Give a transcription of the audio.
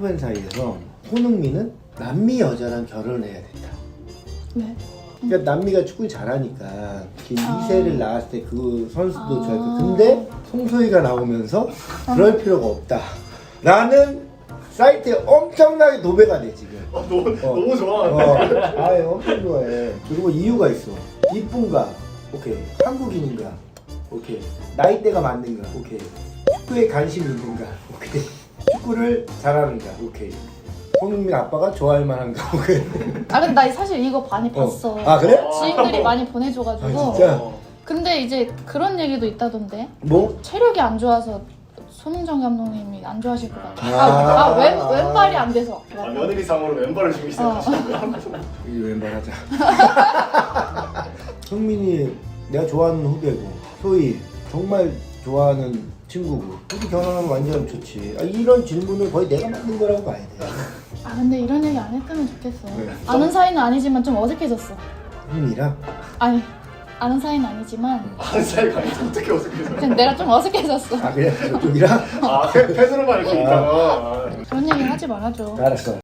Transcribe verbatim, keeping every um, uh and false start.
축구팬 사이에서 손흥민은 남미 여자랑 결혼을 해야 된다. 왜? 그러니까 남미가 축구 잘하니까 아. 이 세를 낳았을 때 그 선수도 아. 좋아했고, 근데 송소희가 나오면서 그럴 필요가 없다 라는 사이트에 엄청나게 도배가 돼 지금. 어, 너무 어. 너무 좋아. 어, 아 엄청 좋아해. 그리고 이유가 있어. 이쁜가? 오케이. 한국인인가? 오케이. 나이대가 맞는가? 오케이. 축구에 관심이 있는가? 오케이. 축구를 잘하는가? 오케이. 손흥민 아빠가 좋아할 만한가? 오케이. 아 근데 나 사실 이거 많이 어. 봤어. 아 그래? 지인들이 많이 보내줘가지고. 아, 진짜? 어. 근데 이제 그런 얘기도 있다던데. 뭐? 체력이 안 좋아서 손흥정 감독님이 안 좋아하실 것 같아. 아. 아, 아 왼, 왼발이 안 돼서. 아, 며느리상으로 왼발을 주기 시작하시고요. 이 왼발하자. 성민이 내가 좋아하는 후배고, 소희 정말 좋아하는 친구고, 둘이 결혼하면 완전 좋지. 아, 이런 질문을 거의 내가 만든 거라고 봐야 돼. 아 근데 이런 얘기 안 했으면 좋겠어. 왜? 아는 사이는 아니지만 좀 어색해졌어. 흥민이랑? 아니 아는 사이는 아니지만 한 사이가 아니지 어떻게 어색해서? 그냥 내가 좀 어색해졌어. 아 그래? 저쪽이랑? 아 팬- 팬으로만 이렇게 있다가. 그런 얘기 하지 말아줘. 알았어.